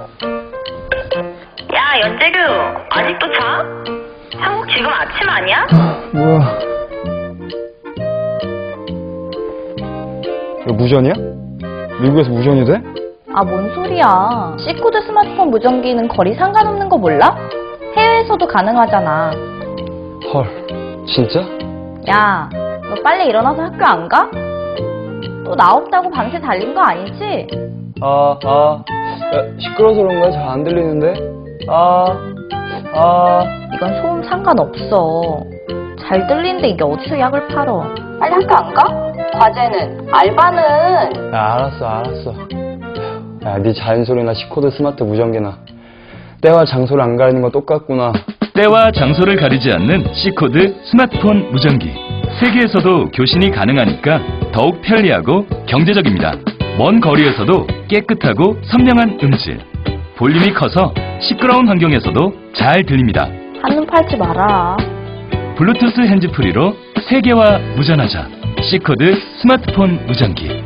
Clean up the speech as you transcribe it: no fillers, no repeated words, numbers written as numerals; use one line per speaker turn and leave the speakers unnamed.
야, 연재규, 아직도 자? 한국 지금 아침 아니야?
뭐야? 이거 무전이야? 미국에서 무전이 돼?
아, 뭔 소리야. C코드 스마트폰 무전기는 거리 상관없는 거 몰라? 해외에서도 가능하잖아.
헐, 진짜?
야, 너 빨리 일어나서 학교 안 가? 또 나 없다고 밤새 달린 거 아니지?
야, 시끄러워서 그런가? 잘 안 들리는데?
이건 소음 상관없어. 잘 들리는데 이게 어디서 약을 팔어? 빨리 학교 안 가? 과제는? 알바는?
야, 알았어. 야, 네 자연소리나 C코드 스마트 무전기나 때와 장소를 안 가리는 거 똑같구나.
때와 장소를 가리지 않는 C코드 스마트폰 무전기. 세계에서도 교신이 가능하니까 더욱 편리하고 경제적입니다. 먼 거리에서도 깨끗하고 선명한 음질. 볼륨이 커서 시끄러운 환경에서도 잘 들립니다.
한눈 팔지 마라.
블루투스 핸즈프리로 세계와 무전하자. C코드 스마트폰 무전기.